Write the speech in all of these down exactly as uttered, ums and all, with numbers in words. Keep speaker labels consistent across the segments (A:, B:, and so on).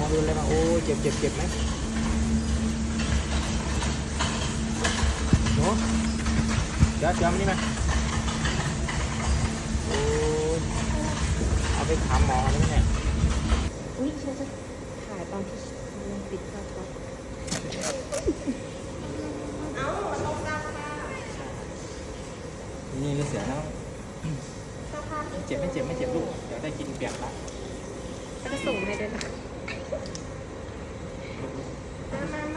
A: อโดนอะไรมาโอ้เจ็บเจ็บเจ็บไหมหนูเดี๋ยวเดี๋ยวมานี่มาโอ้เอาไปถามหมอแล้วเนี่ย
B: อุ้ยฉันจะถ่ายตอนที่มันปิดภาพก่อนเอาลงกันค่ะ
A: นี่นี่เสียแล้วเจ็บไม่เจ็บไม่เจ็บลูกเดี๋ยวได้กินเปียกละ
B: ก็จะส่งให้ด้วยนะมามามา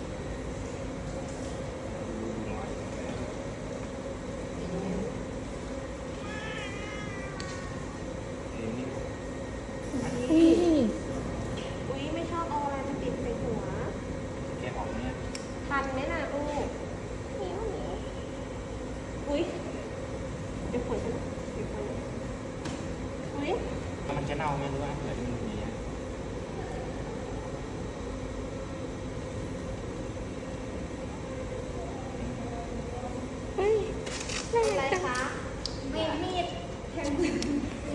B: อุ้ยอุ้ยไม่ชอบเอาอะไรมาติดใส่หัว
A: แกออกเนี่ย
B: ทันไหมน่ะลูกเหนียวเหนียวอุ้ยเดี๋ยวขนฉันเดี๋ยวขนอุ้ย
A: มันจะเน่าไหมหรือว่าเหลือมันอย่างเงี้ย
B: เฮ้ยอะไรคะมีดมีดแทงมีด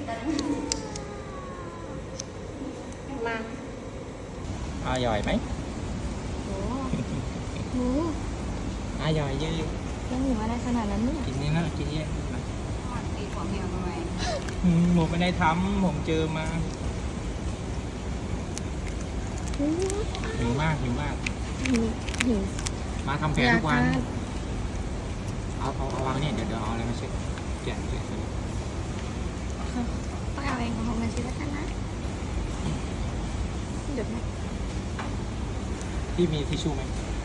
B: มา
A: อร่อยไหม
B: โอ้โห
A: อร่อยเยอะ
B: ยังหนูอะไรขนาดนั้นเนี่ย
A: กินนี่นะกินเยอะนะ
B: ตีหัวเมียทำไม
A: ผมไม่ได้ทำผมเจอมาหิวมากหิวมาก
B: หิวหิว
A: มาทำแผลทุกวัน เอาเอาเอาวางเนี่ยเดี๋ยวเดี๋ยวเอาอะไรมาเช็ดแกะแกะ
B: ต้องเอาเองของผมมาชิแล้วกันนะเดี๋ยวนะ
A: พี่มีทิชชู่ไหม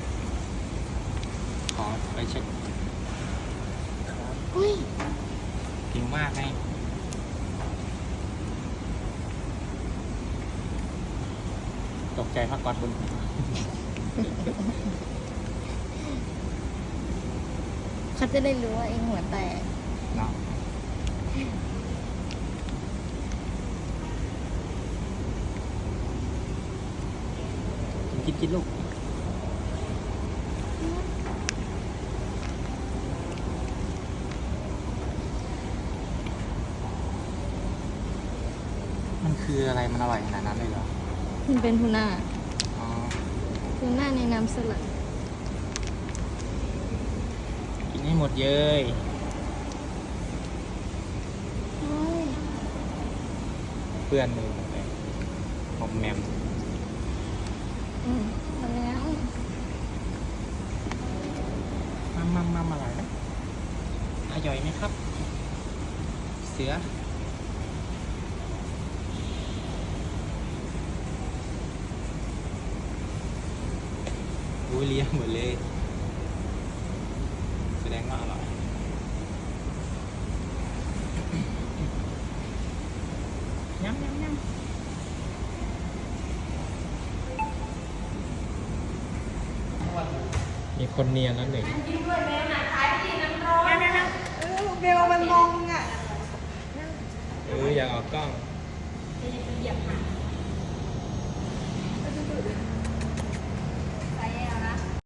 A: ขอไปเช็ด
B: อุ้ย
A: หิวมากไงตกใจพักก่อนบน
B: เขาจะได้รู้ว่าเองหัวแตก
A: เนาะกินกินลูกมันคืออะไรมันอร่อยขนาดนั้นเลยเหรอ
B: มันเป็นทูน่า
A: อ๋อ
B: ทูน่าในน้ำสลัด
A: กินให้หมดเย้ย
B: โอ้ย
A: เพื่อนเลยหอมแหมม
B: อืมมาแล้ว
A: มัมมัมมัมอร่อยไหมอร่อยไหมครับ เสืออุ้ยเลี้ยงหมดเลย แสดงว่าอร่อยยำยำยำมีคนเนียนแล้วหนึ่ง
B: เบลมันมองอ่ะ
A: เอออยากออกกล้อง
B: เหยียบหาง